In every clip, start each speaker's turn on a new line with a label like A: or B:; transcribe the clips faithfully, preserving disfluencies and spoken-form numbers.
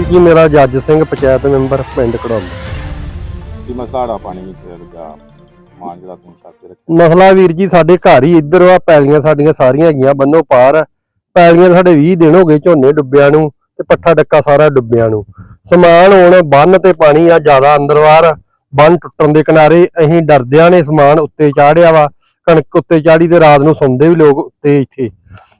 A: ਜੀ ਮੇਰਾ ਜੱਜ ਸਿੰਘ ਪੰਚਾਇਤ ਮੈਂਬਰ ਪਿੰਡ ਘੜੌਲੀ।
B: ਕੀ ਮਸਲਾ ਪਾਣੀ ਵਿੱਚ ਲੱਗਾ ਸਮਾਨ ਜਿਹੜਾ ਤੁਸੀਂ ਛੱਤ ਤੇ ਰੱਖਿਆ?
A: ਮਸਲਾ ਵੀਰ ਜੀ ਸਾਡੇ ਘਰ ਹੀ ਇੱਧਰ ਆ, ਪੈਲੀਆਂ ਸਾਡੀਆਂ ਸਾਰੀਆਂ ਹੈਗੀਆਂ ਬੰਨੋ ਪਾਰ। ਪੈਲੀਆਂ ਸਾਡੇ ਵੀਹ ਦਿਨ ਹੋ ਗਏ ਝੋਨੇ ਡੁੱਬਿਆਂ ਨੂੰ ਤੇ ਪੱਠਾ ਡੱਕਾ ਸਾਰਾ ਡੁੱਬਿਆਂ ਨੂੰ। ਸਮਾਨ ਹੁਣ ਬੰਨ ਤੇ ਪਾਣੀ ਆ ਜ਼ਿਆਦਾ ਅੰਦਰ ਬਾਹਰ, ਬੰਨ ਟੁੱਟਣ ਦੇ ਕਿਨਾਰੇ। ਅਸੀਂ ਡਰਦਿਆਂ ਨੇ ਸਮਾਨ ਉੱਤੇ ਚਾੜਿਆ ਵਾ, ਕਣਕ ਉੱਤੇ ਚਾੜੀ ਤੇ ਰਾਤ ਨੂੰ ਸੌਂਦੇ ਵੀ ਲੋਕ ਉੱਤੇ, ਇੱਥੇ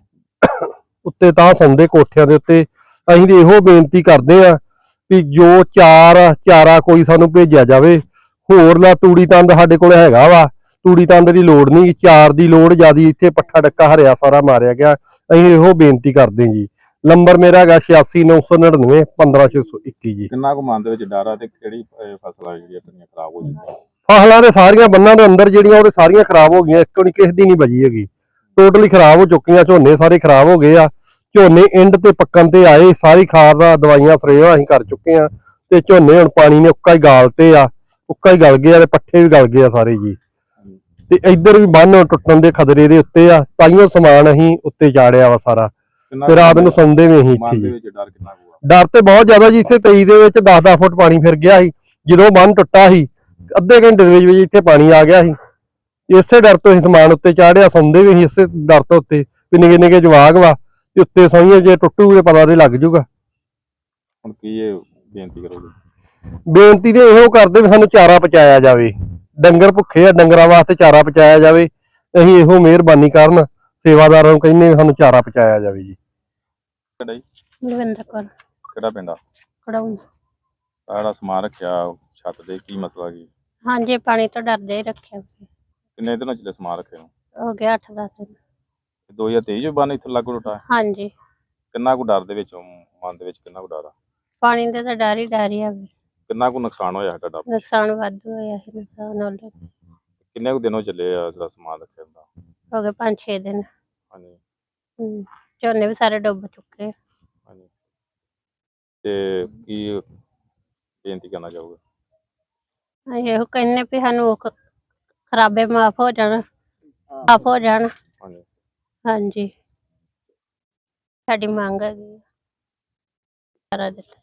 A: ਉੱਤੇ ਤਾਂ ਸੌਂਦੇ ਕੋਠਿਆਂ ਦੇ ਉੱਤੇ। ਅਸੀਂ ਤੇ ਇਹੋ ਬੇਨਤੀ ਕਰਦੇ ਆ ਵੀ ਜੋ ਚਾਰ ਚਾਰਾ ਕੋਈ ਸਾਨੂੰ ਭੇਜਿਆ ਜਾਵੇ। ਹੋਰ ਲਾ ਤੂੜੀ ਤੰਦ ਸਾਡੇ ਕੋਲ ਹੈਗਾ ਵਾ, ਤੂੜੀ ਤੰਦ ਦੀ ਲੋੜ ਨਹੀਂ, ਚਾਰ ਦੀ ਲੋੜ ਜ਼ਿਆਦੀ। ਇੱਥੇ ਪੱਠਾ ਡੱਕਾ ਹਰਿਆ ਸਾਰਾ ਮਾਰਿਆ ਗਿਆ। ਅਸੀਂ ਇਹੋ ਬੇਨਤੀ ਕਰਦੇ ਜੀ। ਨੰਬਰ ਮੇਰਾ ਹੈਗਾ ਛਿਆਸੀ ਨੌ ਸੌ ਨੜਿਨਵੇਂ ਪੰਦਰਾਂ ਛੇ ਸੌ ਇੱਕੀ ਜੀ।
B: ਕਿੰਨਾ ਕੁ ਮਨ ਦੇ ਵਿੱਚ ਡਰ ਆ ਤੇ ਕਿਹੜੀ ਫਸਲ ਆ ਜਿਹੜੀ ਆਪਣੀਆਂ ਖਰਾਬ ਹੋ ਜਾਂਦੀਆਂ?
A: ਫਸਲਾਂ ਦੇ ਸਾਰੀਆਂ ਬੰਨਾਂ ਦੇ ਅੰਦਰ ਜਿਹੜੀਆਂ ਉਹ ਸਾਰੀਆਂ ਖਰਾਬ ਹੋ ਗਈਆਂ, ਇੱਕ ਨਹੀਂ ਕਿਸੇ ਦੀ ਨਹੀਂ ਬਚੀ ਹੈਗੀ, ਟੋਟਲੀ ਖਰਾਬ ਹੋ ਚੁੱਕੀਆਂ। ਝੋਨੇ ਸਾਰੇ ਖਰਾਬ ਹੋ ਗਏ ਆ। ਝੋਨੇ ਇੰਡ ਤੇ ਪੱਕਣ ਤੇ ਆਏ, ਸਾਰੀ ਖਾਦ ਦਾ ਦਵਾਈਆਂ ਸਪਰੇਆਂ ਅਸੀਂ ਕਰ ਚੁੱਕੇ ਆ ਤੇ ਝੋਨੇ ਹੁਣ ਪਾਣੀ ਨੇ ਉੱਕਾ ਹੀ ਗਾਲਤੇ ਆ, ਉੱਕਾ ਹੀ ਗਲ ਗਏ ਆ ਤੇ ਪੱਠੇ ਵੀ ਗਲ ਗਏ ਆ ਸਾਰੇ ਜੀ। ਤੇ ਇੱਧਰ ਵੀ ਬੰਨ ਟੁੱਟਣ ਦੇ ਖਤਰੇ ਦੇ ਉੱਤੇ ਆ, ਤਾਈਓ ਸਮਾਨ ਅਸੀਂ ਉੱਤੇ ਚਾੜਿਆ ਵਾ ਸਾਰਾ। ਤੇ ਰਾਤ ਨੂੰ ਸੌਂਦੇ ਵੀ ਅਸੀਂ ਇੱਥੇ ਜੀ।
B: ਡਰ ਕਿੰਨਾ ਕੁ?
A: ਡਰ ਤੇ ਬਹੁਤ ਜ਼ਿਆਦਾ ਜੀ। ਇੱਥੇ ਤੇਈ ਦੇ ਵਿੱਚ ਦਸ ਦਸ ਫੁੱਟ ਪਾਣੀ ਫਿਰ ਗਿਆ ਸੀ। ਜਦੋਂ ਬੰਨ ਟੁੱਟਾ ਸੀ ਅੱਧੇ ਘੰਟੇ ਦੇ ਵਿੱਚ ਵਿੱਚ ਇੱਥੇ ਪਾਣੀ ਆ ਗਿਆ ਸੀ। ਇਸੇ ਡਰ ਤੋਂ ਅਸੀਂ ਸਮਾਨ ਉੱਤੇ ਚਾੜਿਆ, ਸੌਂਦੇ ਵੀ ਅਸੀਂ ਇਸੇ ਡਰ ਤੋਂ ਉੱਤੇ ਵੀ ਨਿੱਕੇ ਨਿੱਕੇ ਜਵਾਕ ਵਾ ਤੇ ਉੱਤੇ ਸੌਈਏ, ਜੇ ਟੁੱਟੂਗੇ ਪਤਾ ਤੇ ਲੱਗ ਜੂਗਾ।
B: ਹੁਣ ਕੀ ਇਹ ਬੇਨਤੀ ਕਰੋਗੇ?
A: ਬੇਨਤੀ ਤੇ ਇਹੋ ਕਰਦੇ ਵੀ ਸਾਨੂੰ ਚਾਰਾ ਪਹੁੰਚਾਇਆ ਜਾਵੇ। ਡੰਗਰ ਭੁੱਖੇ ਆ, ਡੰਗਰਾਂ ਵਾਸਤੇ ਚਾਰਾ ਪਹੁੰਚਾਇਆ ਜਾਵੇ। ਅਸੀਂ ਇਹੋ ਮਿਹਰਬਾਨੀ ਕਰਨ ਸੇਵਾਦਾਰਾਂ ਨੂੰ ਕਹਿੰਦੇ ਸਾਨੂੰ ਚਾਰਾ ਪਹੁੰਚਾਇਆ ਜਾਵੇ ਜੀ।
C: ਲਵਿੰਦਰ ਕੌਰ।
B: ਕਿਹੜਾ ਪਿੰਡ ਆ?
C: ਘੜੌਲੀ।
B: ਆਹ ਸਮਾਨ ਰੱਖਿਆ ਛੱਤ ਤੇ, ਕੀ ਮਸਲਾ ਕੀ?
C: ਹਾਂਜੀ, ਪਾਣੀ ਤੋਂ ਡਰਦੇ ਹੀ ਰੱਖਿਆ।
B: ਕਿੰਨੇ ਦਿਨਾਂ ਚ ਸਮਾਨ ਰੱਖੇ ਨੂੰ?
C: ਹੋ ਗਿਆ ਅੱਠ ਦਸ ਦਿਨ।
B: ਦੋ ਹਜ਼ਾਰ ਤੇਈ ਚ ਬੰਨ ਇੱਥੇ ਲਾਗੂ ਟੁੱਟਾ?
C: ਹਾਂਜੀ।
B: ਕਿੰਨਾ ਕੁ ਡਰ ਦੇ ਵਿੱਚ, ਮਨ ਦੇ ਵਿੱਚ ਕਿੰਨਾ ਕੁ ਡਰ ਆ?
C: ਪਾਣੀ ਦਾ ਤਾਂ ਡਰ ਹੀ ਡਰ ਹੀ ਆ।
B: ਕਿੰਨਾ ਕੁ ਨੁਕਸਾਨ ਹੋਇਆ ਤੁਹਾਡਾ?
C: ਨੁਕਸਾਨ ਵਾਧੂ ਹੋਇਆ ਸੀ। ਨੁਕਸਾਨ ਹੋ
B: ਕਿੰਨੇ ਕੁ ਦਿਨੋਂ ਚੱਲੇ ਆ ਜਿਹੜਾ ਸਮਾਨ ਰੱਖਿਆ ਹੁੰਦਾ?
C: ਹੋ ਗਏ ਪੰਜ ਛੇ ਦਿਨ।
B: ਹਾਂਜੀ।
C: ਹਮ ਝੋਨੇ ਵੀ ਸਾਰੇ ਡੁੱਬ ਚੁੱਕੇ।
B: ਹਾਂਜੀ। ਤੇ ਕੀ ਬੇਨਤੀ ਕਰਨਾ ਚਾਹੋਗੇ?
C: ਅਸੀਂ ਇਹੋ ਕਹਿੰਦੇ ਵੀ ਸਾਨੂੰ ਖਰਾਬੇ ਮਾਫ ਹੋ ਜਾਣ, ਮਾਫ ਹੋ ਜਾਣ।
B: ਹਾਂਜੀ। ਹਾਂਜੀ।
C: ਸਾਡੀ ਮੰਗ ਹੈਗੀ ਸਾਰਾ ਦਿੱਤਾ।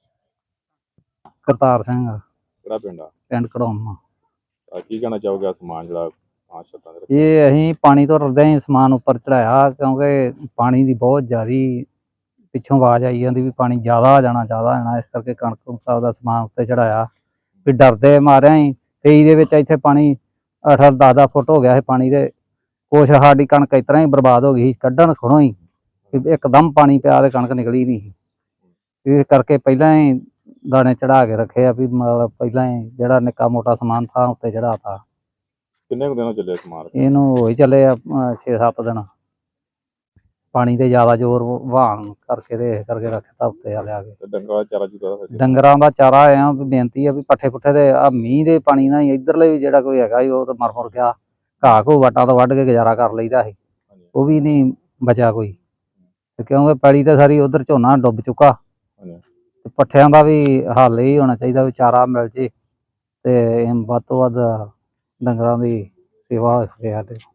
D: ਕਰਤਾਰ ਸਿੰਘ।
B: ਕਿਹੜਾ ਪਿੰਡ ਆ?
D: ਪਿੰਡ ਘੜੌਲੀ।
B: ਕੀ ਕਹਿਣਾ ਚਾਹੋਗੇ? ਸਮਾਨ ਜਿਹੜਾ ਪੰਜ ਛੱਤਾਂ ਦੇ
D: ਇਹ ਅਸੀਂ ਪਾਣੀ ਤੋਂ ਡਰਦੇ ਹੀ ਸਮਾਨ ਉੱਪਰ ਚੜਾਇਆ, ਕਿਉਂਕਿ ਪਾਣੀ ਦੀ ਬਹੁਤ ਜ਼ਿਆਦੀ ਪਿੱਛੋਂ ਆਵਾਜ਼ ਆਈ ਜਾਂਦੀ ਵੀ ਪਾਣੀ ਜ਼ਿਆਦਾ ਆ ਜਾਣਾ ਜ਼ਿਆਦਾ ਆ ਜਾਣਾ। ਇਸ ਕਰਕੇ ਕਣਕ ਕੁਣਕ ਦਾ ਸਮਾਨ ਉੱਤੇ ਚੜਾਇਆ ਵੀ ਡਰਦੇ ਮਾਰਿਆ ਹੀ। ਤੇਈ ਦੇ ਵਿੱਚ ਇੱਥੇ ਪਾਣੀ ਅੱਠ ਦਸ ਦਸ ਫੁੱਟ ਹੋ ਗਿਆ ਸੀ ਪਾਣੀ ਦੇ। ਕੁਛ ਸਾਡੀ ਕਣਕ ਇਸ ਤਰ੍ਹਾਂ ਹੀ ਬਰਬਾਦ ਹੋ ਗਈ ਸੀ, ਕੱਢਣ ਖੜੋ ਹੀ ਇੱਕਦਮ ਪਾਣੀ ਪਿਆ ਤੇ ਕਣਕ ਨਿਕਲੀ ਨਹੀਂ ਸੀ। ਇਸ ਕਰਕੇ ਪਹਿਲਾਂ ਹੀ ਦਾਣੇ ਚੜਾ ਕੇ ਰੱਖੇ ਆ ਵੀ ਮਤਲਬ ਪਹਿਲਾਂ ਹੀ ਜਿਹੜਾ ਨਿੱਕਾ ਮੋਟਾ ਸਮਾਨ ਥਾਂ ਉੱਤੇ ਚੜਾ ਤਾ।
B: ਕਿੰਨੇ ਕੁ ਦਿਨੋਂ ਚੱਲੇ ਸਮਾਨ?
D: ਇਹਨੂੰ ਹੋਈ ਚੱਲੇ ਆ ਛੇ ਸੱਤ ਦਿਨ। ਪਾਣੀ ਤੇ ਜ਼ਿਆਦਾ ਜ਼ੋਰ ਵਹਾਣ ਕਰਕੇ ਤੇ ਇਸ ਕਰਕੇ ਰੱਖਤਾ ਉੱਤੇ ਆ ਲਿਆ ਕੇ।
B: ਡੰਗਰਾਂ ਦਾ ਚਾਰਾ ਚੂਰਾ?
D: ਡੰਗਰਾਂ ਦਾ ਚਾਰਾ ਆ ਵੀ ਬੇਨਤੀ ਆ ਵੀ ਪੱਠੇ ਪੁੱਠੇ ਤੇ ਆ ਮੀਂਹ ਦੇ ਪਾਣੀ ਨਾਲ ਇੱਧਰਲੇ ਵੀ ਜਿਹੜਾ ਕੋਈ ਹੈਗਾ ਉਹ ਤਾਂ ਮਰ ਮੁਰ ਗਿਆ। ਘਾਹ ਘੂ ਵਟਾਂ ਤੋਂ ਵੱਢ ਕੇ ਗੁਜ਼ਾਰਾ ਕਰ ਲਈਦਾ ਸੀ, ਉਹ ਵੀ ਨਹੀਂ ਬਚਿਆ ਕੋਈ। ਤੇ ਕਿਉਂਕਿ ਪੈਲੀ ਤੇ ਸਾਰੀ ਉਧਰ ਝੋਨਾ ਡੁੱਬ ਚੁੱਕਾ। ਤੇ ਪੱਠਿਆਂ ਦਾ ਵੀ ਹੱਲ ਹੀ ਹੋਣਾ ਚਾਹੀਦਾ ਵੀ ਚਾਰਾ ਮਿਲ ਜੇ ਤੇ ਵੱਧ ਤੋਂ ਵੱਧ ਡੰਗਰਾਂ ਦੀ ਸੇਵਾ ਹੋ ਸਕੇ ਸਾਡੇ।